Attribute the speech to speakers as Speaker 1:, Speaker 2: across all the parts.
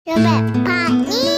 Speaker 1: จะแบบผ่านเนี่ย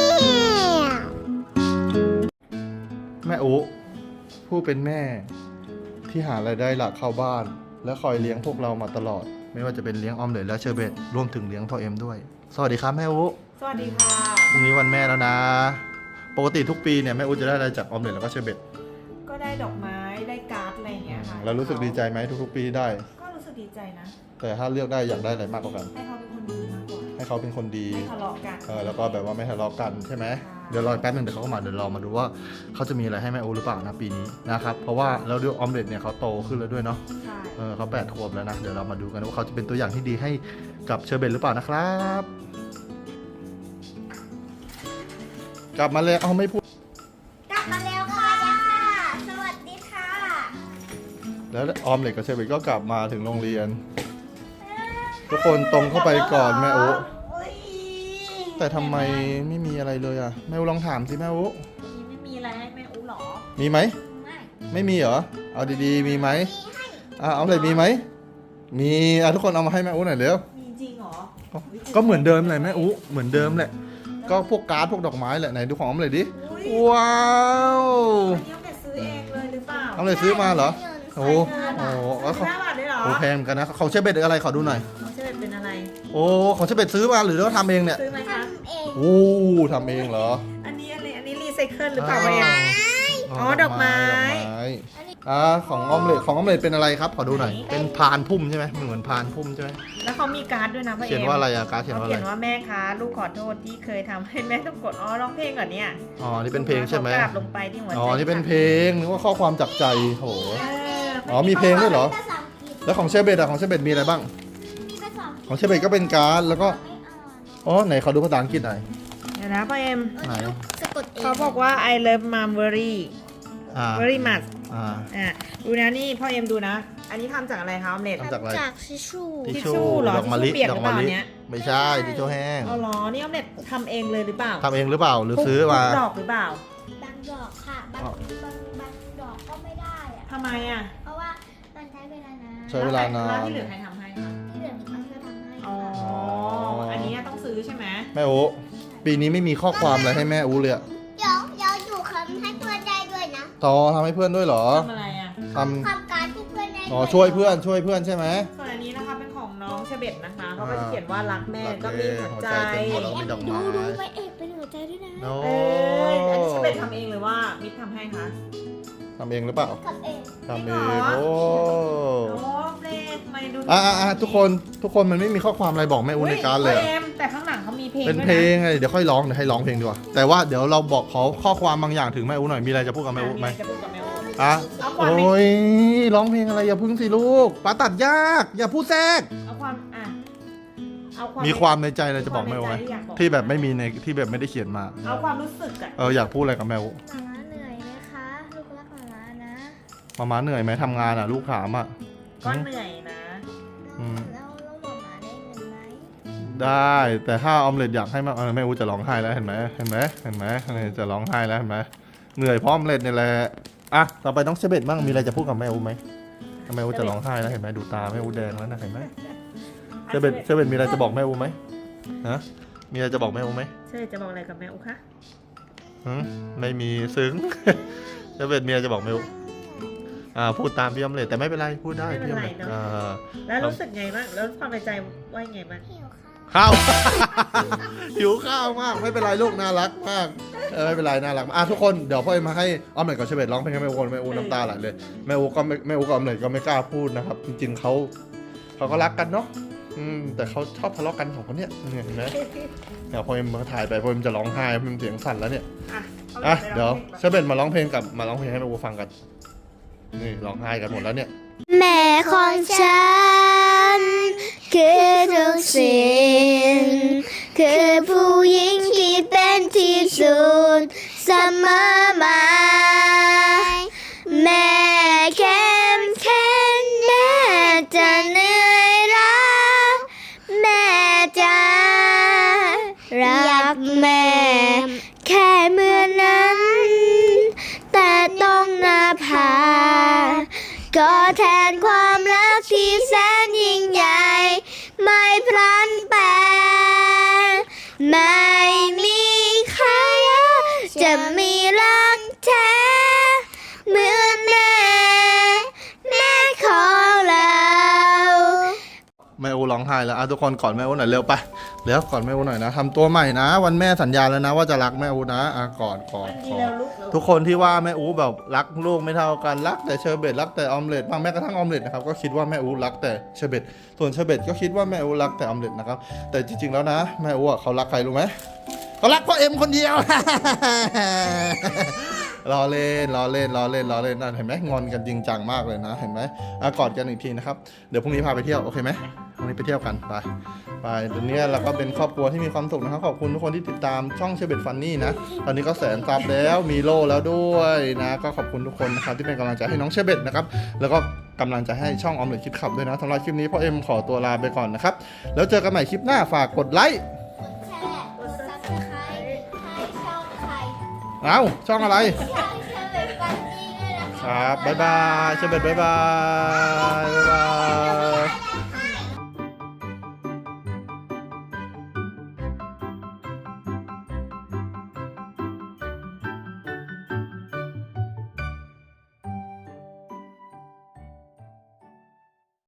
Speaker 2: แม่อุผู้เป็นแม่ที่หารายได้หลักเข้าบ้าน และคอยเลี้ยงพวกเรามาตลอด ไม่ว่าจะเป็นเลี้ยงออมเล็ตและเชอร์เบตรวมถึงเลี้ยงพ่อเอ็มด้วยสวัสดีครับแม่อุ
Speaker 3: สวัสดีค่ะ
Speaker 2: พรุ่งนี้วันแม่แล้วนะ ปกติทุกปีเนี่ยแม่อุจะได้อะไรจากออมเล็ตแล้วก็เชอร์เบต
Speaker 3: ก็ได้ดอกไม้ได้การ์ดอะไรอย่างเงี้ยค่ะ
Speaker 2: แล้วรู้สึกดีใจไหมทุกๆปีได้
Speaker 3: ก็รู้สึกดีใจนะ
Speaker 2: แต่ถ้าเลือกได้อยากได้อะไรมากกว่ากัน
Speaker 3: ให้เขาเป็นคนดีมากกว่า
Speaker 2: ให้เขาเป็นคนดี
Speaker 3: ไม่ทะเลาะกัน
Speaker 2: แล้วก็แบบว่าไม่ทะเลาะกันใช่ไหมเดี๋ยวรอแป๊บนึงเดี๋ยวเขาก็มาเดี๋ยวรอมาดูว่าเขาจะมีอะไรให้แม่อุหรือเปล่านะปีนี้นะครับเพราะว่าแล้วด้วยออมเล็ตเนี่ยเขาโตขึ้นแล้วด้วยเนาะ
Speaker 3: ใช่
Speaker 2: เขา8 ขวบแล้วนะเดี๋ยวเรามาดูกันว่าเขาจะเป็นตัวอย่างที่ดีให้กับเชอร์เบตหรือเปล่านะครับกลับมาเลยเอาไม่พูด
Speaker 1: กลับมาแล้วค่ะสวัสดีค่ะ
Speaker 2: แล้วออมเล็ตกับเชอร์เบตก็กลับมาถึงโรงเรียนทุกคนตรงเข้าไปก่อนแม่อุแต่ทำไมไม่มีอะไรเลยอ่ะแม่อุลองถามสิแม่อุ
Speaker 3: ไม่มีอะไรให้แม่อูหรอ
Speaker 2: มีไหมไม่มีเหรอเอาดีๆมีไหมเอาเลยมีไหมมีทุกคนเอามาให้แม่อุหน่อยเร็ว
Speaker 3: มีจริงเหรอ
Speaker 2: ก็เหมือนเดิมเลยแม่อุเหมือนเดิมแหละก็พวกการ์ดพวกดอกไม้แหละไหนดูของออมเลยดิว้าว
Speaker 3: อันนี้ออมเล็ตซื้อเองเลยหรือเปล่า
Speaker 2: ออมเลยซื้อมาเหรอโอ้โห
Speaker 3: 5 บาทเลยเหรอ
Speaker 2: โอ้แพงเหมือนกันนะของเชฟเบ็ดอะไรขอดูหน่อย
Speaker 3: ของเชฟเบ็ดเป็นอะไร
Speaker 2: โอ้ของเชฟเบ็ดซื้อมาหรือว่าทำเองเนี่ย
Speaker 3: ซื้อไหมคะ
Speaker 2: โอ้ทำเองเหรอ
Speaker 3: อันนี้รีไซเคิลหรือเปล่าเอ็มอ๋อดอกไม้
Speaker 2: ของออมเล็ตเป็นอะไรครับขอดูหน่อยเป็นพานพุ่มใช่ไหมเหมือนพานพุ่มใช่ไหม
Speaker 3: แล้วเขามีการ์ดด้วยนะพ่อเอ็ม
Speaker 2: เขียนว่าอะไรอะการ์ดเขียนว่าอะไร
Speaker 3: เขียนว่าแม่คะลูกขอโทษที่เคยทำให้แม่ต้องกดร้องเพลงก่อนเนี่ย
Speaker 2: นี่เป็นเพลงใช่ไหม
Speaker 3: กราบลงไปที่หัวใจ
Speaker 2: นี่เป็นเพลงนึกว่าข้อความจากใจโหมีเพลงด้วยเหรอแล้วของเชฟเบ็ดของเชฟเบ็ดมีอะไรบ้างของเชฟเบ็ดก็เป็นการ์ดแล้วก็ไหนขอดูภาษาอังกฤษหน่อย
Speaker 3: เดี๋ยวนะพ่อเอ็ม
Speaker 2: ไหน
Speaker 3: เขาบอกว่า I love mom very very much ดูนะนี่พ่อเอ็มดูนะอันนี้ทำจากอะไรคะออมเล็ต
Speaker 2: ทำจากอะไร
Speaker 1: ทิชชู่
Speaker 3: หรอ
Speaker 2: ดอกมะลิ
Speaker 3: เปียกหรือเปล่าเนี้ย
Speaker 2: ไม่ใช่ทิชชู่แห้ง
Speaker 3: อ๋อเหรอนี่ออมเล็ตทำเองเลยหรือเปล่า
Speaker 2: ทำเองหรือเปล่าหรือซื้อมา
Speaker 3: ดอกหรือเปล่า
Speaker 1: บางดอกค่ะบางดอกก็ไม่ได้อะ
Speaker 3: ทำไมอ่ะ
Speaker 1: เพราะว่ามันใช้เวลานาน
Speaker 2: ใช้เวลานาน
Speaker 3: แล้วที่เหลือใครทำให้คะ
Speaker 1: ที่เหลือมีคนช่วยทำให้
Speaker 3: อ๋ออันนี้ต้องซื้อใช่ไหม
Speaker 2: แม่อูปีนี้ไม่มีข้อความอะไรให้แม่อูเลย
Speaker 1: เดี๋ยวอยู่คำให้เพื่อนได้ด้วยนะ
Speaker 2: ทำให้เพื่อนด้วยเหรอ
Speaker 3: ทำอะไรอ่ะ
Speaker 1: ทำการที่เพื่อนได้
Speaker 2: ช่วยเพื่อนใช่ไหม
Speaker 3: ส่วนอันนี้นะคะเป็นของน้องเชเบตนะคะเขาก็จะเขียนว่ารักแม่ก็มีหัวใจ
Speaker 1: ดูไปเอกเป็นหัวใจด้วยนะ
Speaker 3: อันนี้เชเบตทำเองหรือว่ามิตรทำให้คะ
Speaker 2: ทำเองหรือเปล่าทำเองโอ้
Speaker 3: เล่ทำไมดู
Speaker 2: ทุกคนมันไม่มีข้อความอะไรบอกแม่อูในการเลย
Speaker 3: แต่ข้างหลังเขามีเพลง
Speaker 2: เป็นเพลงไงเดี๋ยวค่อยร้องเดี๋ยวให้ร้องเพลงดีกว่าแต่ว่าเดี๋ยวเราบอกขอข้อความบางอย่างถึงแม่อูหน่อยมีอะไรจะพูดกับแม่อูไหมโอ้ยร้องเพลงอะไรอย่าพึ่งสิลูกป้าตัดยากอย่าพูดแทรกมีความในใจอะไรจะบอกแม่อูไหมที่แบบไม่มีในที่แบบไม่ได้เขียนมา
Speaker 3: เอาความรู้สึก
Speaker 2: อยากพูดอะไรกับแม่อู
Speaker 1: เหนื่อยไหมคะลูกรักมานะ
Speaker 2: มาเหนื่อยไหมทำงานลูกถาม
Speaker 3: ก็เหนื่อยนะ
Speaker 1: แล้วหมาได้เงินไหม
Speaker 2: ได้แต่ถ้าออมเล็ตอยากให้แม่อูจะร้องไห้แล้วเห็นไหมจะร้องไห้แล้วเห็นไหมเหนื่อยเพราะออมเล็ตนี่แหละต่อไปต้องเชเบตบ้างมีอะไรจะพูดกับแม่อูไหมแม่อูจะร้องไห้แล้วเห็นไหมดูตาแม่อูแดงแล้วนะเห็นไหมเชเบตมีอะไรจะบอกแม่อูไหมมีอะไรจะบอกแม่อูไหม
Speaker 3: เชเบตจะบอกอะไรกับแม่อูคะ
Speaker 2: ไม่มีซึ้งเชเบตมีอะไรจะบอกแม่อูพูดตามพี่ออมเล็ตแต่ไม่เป็นไรพูดได้พี่ออมเล็ต
Speaker 3: แล้วรู้สึกไงบ้างแล้วความในใจว่าไงบ้าง
Speaker 2: ข้าวหิวข้าวมากไม่เป็นไรลูกน่ารักมากไม่เป็นไรน่ารักทุกคนเดี๋ยวพ่อมาให้ออมเล็ตกับเชเบตร้องเพลงให้แม่อูน้ำตาไหลเลยแม่อูกับออมเล็ตก็ไม่กล้าพูดนะครับจริงๆเขาก็รักกันเนาะแต่เขาชอบทะเลาะกันของคนเนี้ยเห็นไหมเดี๋ยวพ่อมาถ่ายไปพ่อจะร้องไห้พ่อเสียงสั่นแล้วเนี่ยเดี๋ยวเชเบตมาร้องเพลงให้แม่อูฟังกันนี่ร้องไห้กันหมดแล้วเนี่ย
Speaker 1: แม่ของฉันคือทุกสิ่งคือผู้หญิงที่เป็นที่สุดเสมอมาแม่เข้มแข็งแม่จะเหนื่อยล้าแม่จะรักแม่แค่เมื่อนั้นแต่ต้องนาภาก็แทนความรักที่แสนยิ่งใหญ่ไม่พลันแปรไม่มมีรักแท้เหมือนแม่ของเรา
Speaker 2: แม่อูร้องไห้แล้วทุกคนกอดแม่อูหน่อยเร็วไปเร็วกอดแม่อูหน่อยนะทำตัวใหม่นะ วันแม่สัญญาแล้วนะว่าจะรักแม่อูนะกอด
Speaker 3: ดีแล้วลูก
Speaker 2: ทุกคนที่ว่าแม่อูแบบรักลูกไม่เท่ากันรักแต่เชอร์เบตรักแต่ออมเล็ตบางแม้กระทั่งออมเล็ตนะครับก็คิดว่าแม่อูรักแต่เชอร์เบตส่วนเชอร์เบตก็คิดว่าแม่อูรักแต่ออมเล็ตนะครับแต่จริงๆแล้วนะแม่อูเขารักใครรู้ไหมเขารักพ่อเอ็มคนเดียว ล้อเล่นนั่นเห็นไหมงอนกันจริงจังมากเลยนะเห็นไหมกอดกันอีกทีนะครับเดี๋ยวพรุ่งนี้พาไปเที่ยวโอเคไหมพรุ่งนี้ไปเที่ยวกันไปเดี๋ยวนี้เราก็เป็นครอบครัวที่มีความสุขนะครับขอบคุณทุกคนที่ติดตามช่องเชอร์เบตฟันนี่นะตอนนี้ก็แสนซับแล้วมีโล่แล้วด้วยนะก็ขอบคุณทุกคนนะครับที่เป็นกำลังใจให้น้องเชอร์เบตนะครับแล้วก็กำลังใจให้ช่องออมเล็ตคิดขับด้วยนะสำหรับคลิปนี้พ่อเอ็มขอตัวลาไปก่อนนะครับแล้วเจอกันใหม่คลิปหน้าฝากกดไลค์
Speaker 1: แชร์กด Subscribe ให้ช่องใคร
Speaker 2: ช่องอะไร
Speaker 1: ช่องเชอร์เบตฟันนี่ด้วยนะคะ
Speaker 2: ครับบ๊ายบายเชอร์เบตบ๊ายบาย